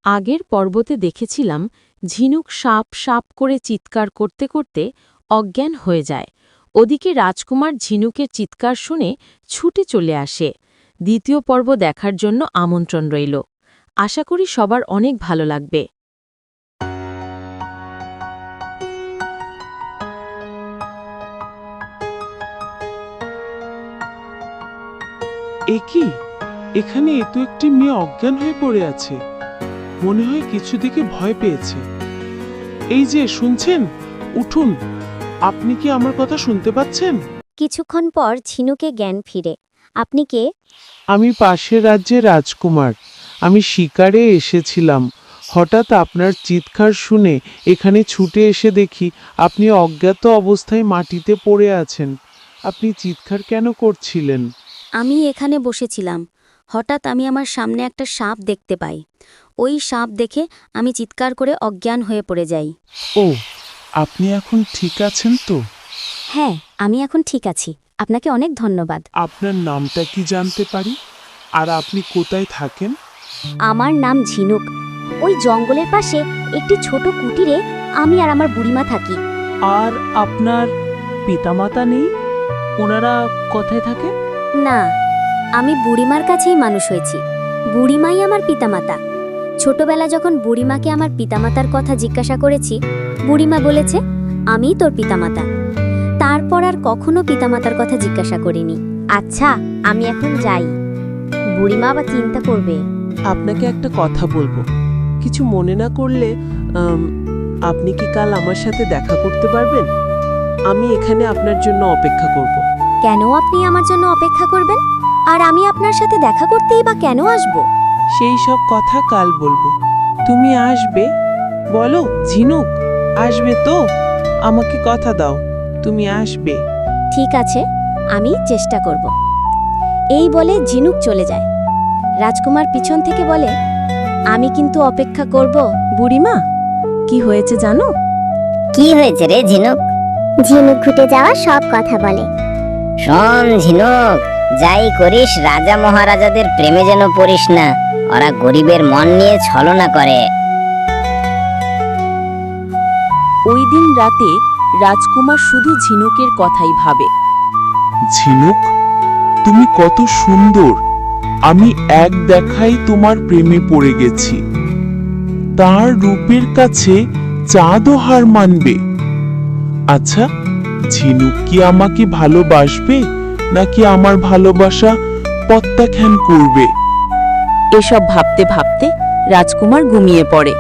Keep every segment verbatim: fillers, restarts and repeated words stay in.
আগের পর্বতে দেখেছিলাম ঝিনুক সাপ সাপ করে চিৎকার করতে করতে অজ্ঞান হয়ে যায়। ওদিকে রাজকুমার ঝিনুকের চিৎকার শুনে ছুটে চলে আসে। দ্বিতীয় পর্ব দেখার জন্য আমন্ত্রণ রইল। আশা করি সবার অনেক ভালো লাগবে। এ কি, এখানে এত একটি মেয়ে অজ্ঞান হয়ে পড়ে আছে। মনে হয় কিছু দিকে ভয় পেয়েছে। এই যে শুনছেন, উঠুন। আপনি কি আমার কথা শুনতে পাচ্ছেন? কিছুক্ষণ পর ঝিনুকে জ্ঞান ফিরে। আপনি কে? আমি পাশের রাজ্যের রাজকুমার। আমি শিকারে এসেছিলাম। হঠাৎ আপনার চিৎকার শুনে এখানে ছুটে এসে দেখি আপনি অজ্ঞাত অবস্থায় মাটিতে পড়ে আছেন। আপনি চিৎকার কেন করছিলেন? আমি এখানে বসেছিলাম। হঠাৎ আমি আমার সামনে একটা সাপ দেখতে পাই। ওই সাপ দেখে আমি চিৎকার করে অজ্ঞান হয়ে পড়ে যাই। ও, আপনি এখন ঠিক আছেন তো? হ্যাঁ, আমি এখন ঠিক আছি। আপনাকে অনেক ধন্যবাদ। আপনার নামটা কি জানতে পারি? আর আপনি কোথায় থাকেন? আমার নাম ঝিনুক। ওই জঙ্গলের পাশে একটি ছোট কুটিরে আমি আর আমার বুড়িমা থাকি। আর আপনার পিতামাতা নেই? ওনারা কোথায় থাকে? না, আমি বুড়িমার কাছেই মানুষ হয়েছি। বুড়িমাই আমার পিতামাতা। ছোটবেলা যখন বুড়িমাকে আমার পিতামাতার কথা জিজ্ঞাসা করেছি, বুড়িমা বলেছে আমিই তোর পিতামাতা। তারপর আর কখনো পিতামাতার কথা জিজ্ঞাসা করিনি। আচ্ছা, আমি এখন যাই। বুড়িমা আবার চিন্তা করবে। আপনাকে একটা কথা বলবো, কিছু মনে না করলে আম, আপনি কি কাল আমার সাথে দেখা করতে পারবেন? আমি এখানে আপনার জন্য অপেক্ষা করব। কেন আপনি আমার জন্য অপেক্ষা করবেন? আর আমি আপনার সাথে দেখা করতেই বা কেন আসব? সেই সব কথা কাল বলবো। তুমি আসবে? বলো ঝিনুক, আসবে তো? আমাকে কথা দাও, তুমি আসবে। ঠিক আছে, আমি চেষ্টা করব। এই বলে ঝিনুক চলে যায়। রাজকুমার পিছন থেকে বলে, আমি কিন্তু অপেক্ষা করব। বুড়িমা, কি হয়েছে জানো? কি হয়েছে রে ঝিনুক? ঝিনুক ঘুটে যাওয়া সব কথা বলে। শোন ঝিনুক, যাই করিস রাজা মহারাজাদের প্রেমে যেন পড়িস না। ওরা গরিবের মন নিয়ে ছলনা করে। ওই দিন রাতে রাজকুমার শুধু ঝিনুকের কথাই ভাবে। ঝিনুক, তুমি কত সুন্দর। আমি এক দেখাই তোমার প্রেমে পড়ে গেছি। তার রূপের কাছে চাঁদও হার মানবে। আচ্ছা, ঝিনুক কি আমাকে ভালোবাসবে নাকি আমার ভালোবাসা প্রত্যাখ্যান করবে? এসব ভাবতে ভাবতে রাজকুমার ঘুমিয়ে পড়ে।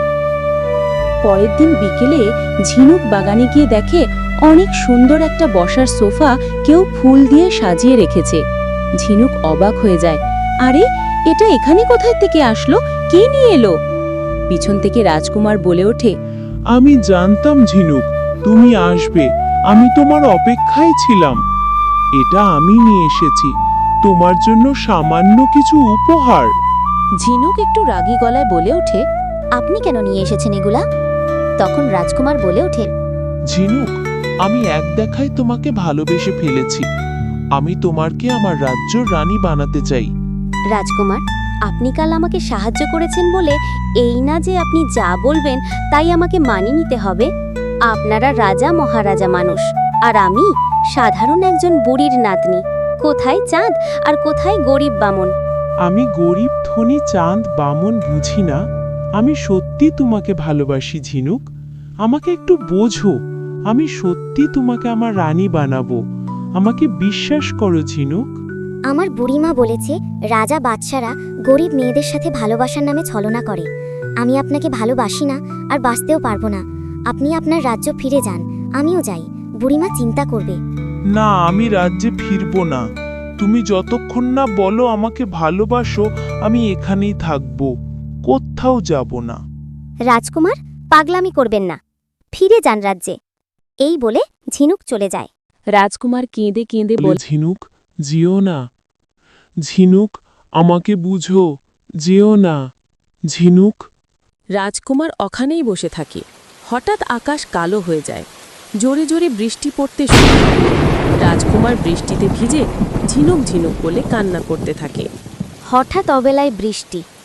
পরের দিন বিকেলে ঝিনুক বাগানে গিয়ে দেখে অনেক সুন্দর একটা বসার সোফা কেউ ফুল দিয়ে সাজিয়ে রেখেছে। ঝিনুক অবাক হয়ে যায়, আরে এটা এখানে কোথায় থেকে আসলো? কে নিয়ে এলো? পিছন থেকে রাজকুমার বলে ওঠে, আমি জানতাম ঝিনুক তুমি আসবে। আমি তোমার অপেক্ষায় ছিলাম। এটা আমি নিয়ে এসেছি তোমার জন্য সামান্য কিছু উপহার। ঝিনুক একটু রাগী গলায় বলে ওঠে, আপনি কেন নিয়ে এসেছেন এগুলা? তখন রাজকুমার বলে ওঠে, ঝিনুক, আমি এক দেখায় তোমাকে ভালোবেসে ফেলেছি। আমি তোমাকে আমার রাজ্যর রানী বানাতে চাই। রাজকুমার, আপনি কাল আমাকে সাহায্য করেছেন বলে এই না যে আপনি যা বলবেন তাই আমাকে মানিয়ে নিতে হবে। আপনারা রাজা মহারাজা মানুষ, আর আমি সাধারণ একজন বুড়ির নাতনি। কোথায় চাঁদ আর কোথায় গরিব বামন? আমি গরিব ধনী চাঁদ বামন বুঝি না। আমি সত্যি তোমাকে ভালোবাসি ঝিনুক। আমাকে একটু বোঝো। আমি সত্যি তোমাকে আমার রানী বানাবো। আমাকে বিশ্বাস করো ঝিনুক। আমার বুড়িমা বলেছে রাজা বাদশারা গরিব মেয়েদের সাথে ভালোবাসার নামে ছলনা করে। আমি আপনাকে ভালোবাসি না আর বাঁচতেও পারবো না। আপনি আপনার রাজ্য ফিরে যান, আমিও যাই। বুড়িমা চিন্তা করবে। না, আমি রাজ্যে ফিরবো না। তুমি যতক্ষণ না বলো আমাকে ভালোবাসো, আমি এখানেই থাকবো, কোথাও যাব না। রাজকুমার, পাগলামি করবেন না, ফিরে যান রাজ্যে। এই বলে ঝিনুক চলে যায়। রাজকুমার কেঁদে কেঁদে বলে, বলে, ঝিনুক যেও না। ঝিনুক, আমাকে বুঝো, যেও না। ঝিনুক। রাজকুমার ওখানেই বসে থাকে। হঠাৎ আকাশ কালো হয়ে যায়। জোরে জোরে বৃষ্টি পড়তে শুরু করে। রাজকুমার বৃষ্টিতে ভিজে ঝিনুক ঝিনুক বলে কান্না করতে থাকে। হঠাৎ অবেলায় বৃষ্টি।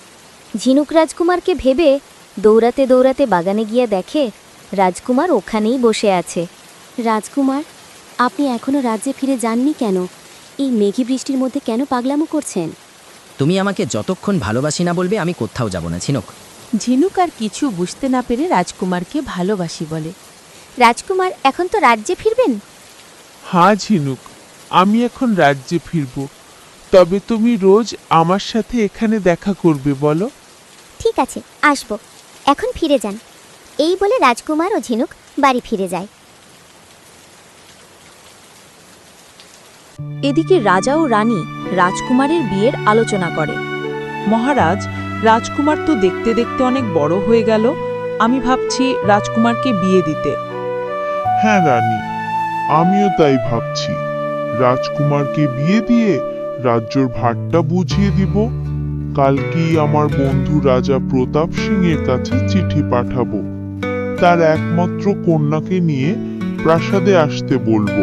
ঝিনুক রাজকুমারকে ভেবে দৌড়াতে দৌড়াতে বাগানে গিয়ে দেখে রাজকুমার ওখানেই বসে আছে। রাজকুমার, আপনি এখনো রাজ্যে ফিরে যাননি কেন? এই মেঘী বৃষ্টির মধ্যে কেন পাগলামো করছেন? তুমি আমাকে যতক্ষণ ভালোবাসি না বলবে আমি কোথাও যাব না ঝিনুক। ঝিনুক আর কিছু বুঝতে না পেরে রাজকুমারকে ভালোবাসি বলে। রাজকুমার, এখন তো রাজ্যে ফিরবেন? হ্যাঁ ঝিনুক, আমি এখন রাজ্যে ফিরব। তবে তুমি রোজ আমার সাথে এখানে দেখা করবে বলো? ঠিক আছে, আসবো। এখন ফিরে যান। এই বলে রাজকুমার ও ঝিনুক বাড়ি ফিরে যায়। এদিকে রাজা ও রানী রাজকুমারের বিয়ের আলোচনা করে। মহারাজ, রাজকুমার তো দেখতে দেখতে অনেক বড় হয়ে গেল। আমি ভাবছি রাজকুমারকে বিয়ে দিতে। হ্যাঁ রানী, আমিও তাই ভাবছি। রাজকুমারকে বিয়ে দিয়ে রাজ্যর ভারটা বুঝিয়ে দিব। কালকেই আমার বন্ধু রাজা প্রতাপ সিং এর কাছে চিঠি পাঠাবো। তার একমাত্র কন্যাকে নিয়ে প্রাসাদে আসতে বলবো।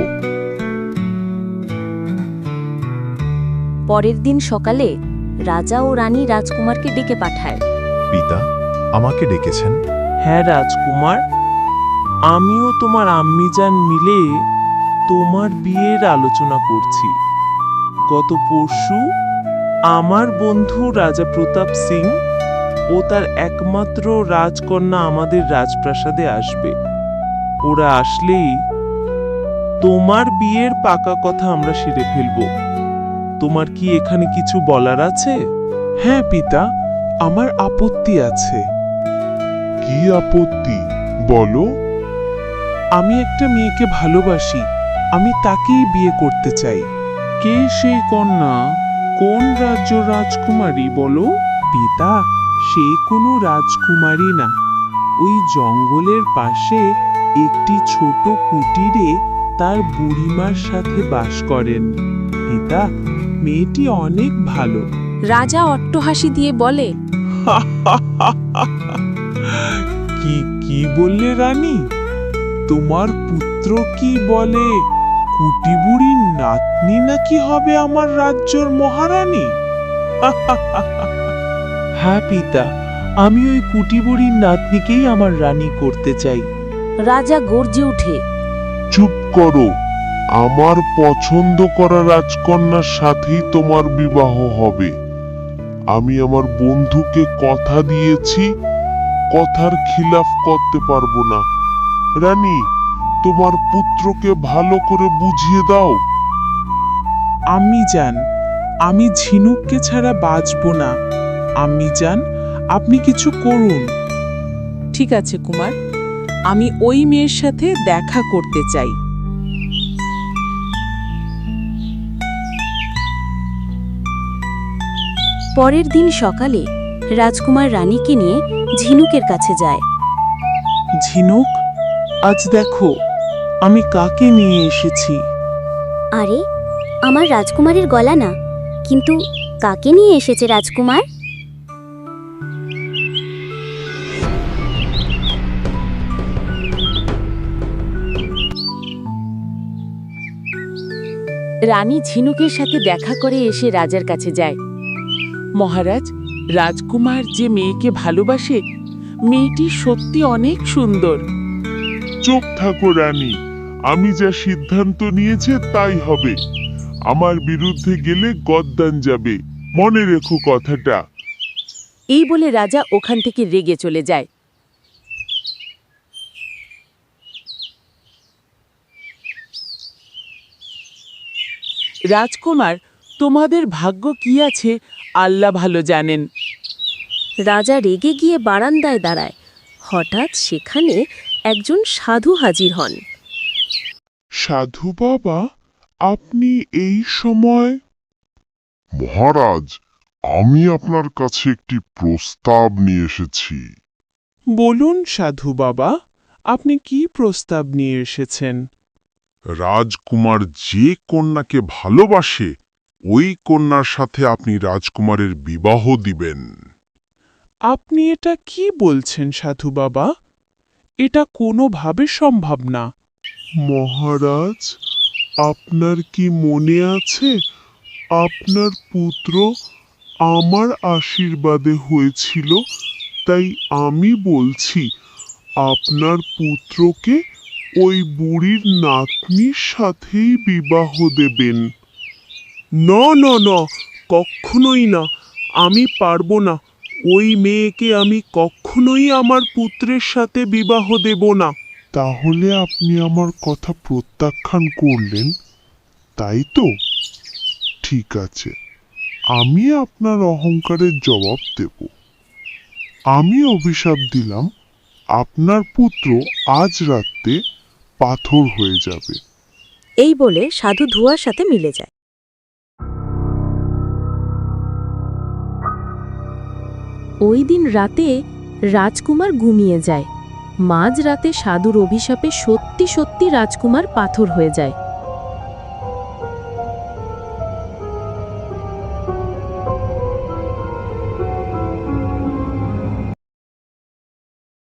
পরের দিন সকালে রাজা ও রানী রাজকুমারকে ডেকে পাঠায়। পিতা আমাকে ডেকেছেন? হ্যাঁ রাজকুমার, আমিও তোমার আম্মিজান মিলে তোমার বিয়ের আলোচনা করছি। গত পরশু আমার বন্ধু রাজা প্রতাপ সিং ও তার একমাত্র রাজকন্যা আমাদের রাজপ্রাসাদে আসবে। ওরা আসলেই তোমার বিয়ের পাকা কথা আমরা সেরে ফেলব। তোমার কি এখানে কিছু বলার আছে? হ্যাঁ পিতা, আমার আপত্তি আছে। কি আপত্তি বলো? আমি একটা মেয়েকে ভালোবাসি, আমি তাকেই বিয়ে করতে চাই। কে সেই কন্যা? কোন রাজ্য রাজকুমারী বলো? পিতা, সে কোনো রাজকুমারী না। ওই জঙ্গলের পাশে একটি ছোট কুটিরে তার বুড়িমার সাথে বাস করেন। পিতা, মেয়েটি অনেক ভালো। রাজা অট্টহাসি দিয়ে বলে, কি কি বললে রানী? তোমার পুত্র কি বলে কুটিবুড়ির নাতনি নাকি হবে আমার রাজ্যর মহারানী? হ্যাঁ পিতা, আমি ওই কুটিবুড়ির নাতনিকেই আমার রানী করতে চাই। রাজা গর্জে উঠে, চুপ করো। আমার পছন্দ করা রাজকন্যার সাথেই তোমার বিবাহ হবে। আমি আমার বন্ধুকে কথা দিয়েছি, কথার খিলাফ করতে পারবো না। রানী, তোমার পুত্রকে ভালো করে বুঝিয়ে দাও। আমি জান, আমি ঝিনুককে ছাড়া বাঁচব না। আমি জান, আপনি কিছু করুন। ঠিক আছে কুমার, আমি ওই মেয়ের সাথে দেখা করতে চাই। পরের দিন সকালে রাজকুমার রানীকে নিয়ে ঝিনুকের কাছে যায়। ঝিনুক, আজ দেখো আমি কাকে নিয়ে এসেছি। আরে, আমার রাজকুমারের গলা না, কিন্তু কাকে নিয়ে এসেছে রাজকুমার? রানী ঝিনুকের সাথে দেখা করে এসে রাজার কাছে যায়। মহারাজ, রাজকুমার যে মেয়েকে ভালোবাসে, মেয়েটি সত্যি অনেক সুন্দর। চুপ থাকো রানী, আমি যা সিদ্ধান্ত নিয়েছে তাই হবে। আমার বিরুদ্ধে গেলে গদ্দান যাবে, মনে রেখো কথাটা। এই বলে রাজা ওখান থেকে রেগে চলে যায়। রাজকুমার, তোমাদের ভাগ্য কি আছে আল্লাহ ভালো জানেন। রাজা রেগে গিয়ে বারান্দায় দাঁড়ায়। হঠাৎ সেখানে একজন সাধু হাজির হন। সাধু বাবা, আপনি এই সময়? মহারাজ, আমি আপনার কাছে একটি প্রস্তাব নিয়ে এসেছি। বলুন সাধু বাবা, আপনি কি প্রস্তাব নিয়ে এসেছেন? রাজকুমার যে কন্যাকে ভালোবাসে, ওই কন্যার সাথে আপনি রাজকুমারের বিবাহ দিবেন। আপনি এটা কি বলছেন সাধু বাবা? এটা কোনোভাবে সম্ভব না। মহারাজ, আপনার কি মনে আছে আপনার পুত্র আমার আশীর্বাদে হয়েছিল, তাই আমি বলছি আপনার পুত্রকে ওই বুড়ির নাতনির সাথেই বিবাহ দেবেন। না না না, কখনোই না, আমি পারবো না। ওই মেয়েকে আমি কখনোই আমার পুত্রের সাথে বিবাহ দেব না। তাহলে আপনি আমার কথা প্রত্যাখ্যান করলেন, তাই তো? ঠিক আছে, আমি আপনার অহংকারের জবাব দেব। আমি অভিশাপ দিলাম আপনার পুত্র আজ রাতে পাথর হয়ে যাবে। এই বলে সাধু ধুয়ার সাথে মিলে যায়। ওই দিন রাতে রাজকুমার ঘুমিয়ে যায়। মাঝ রাতে সাধুর অভিশাপে সত্যি সত্যি রাজকুমার পাথর হয়ে যায়।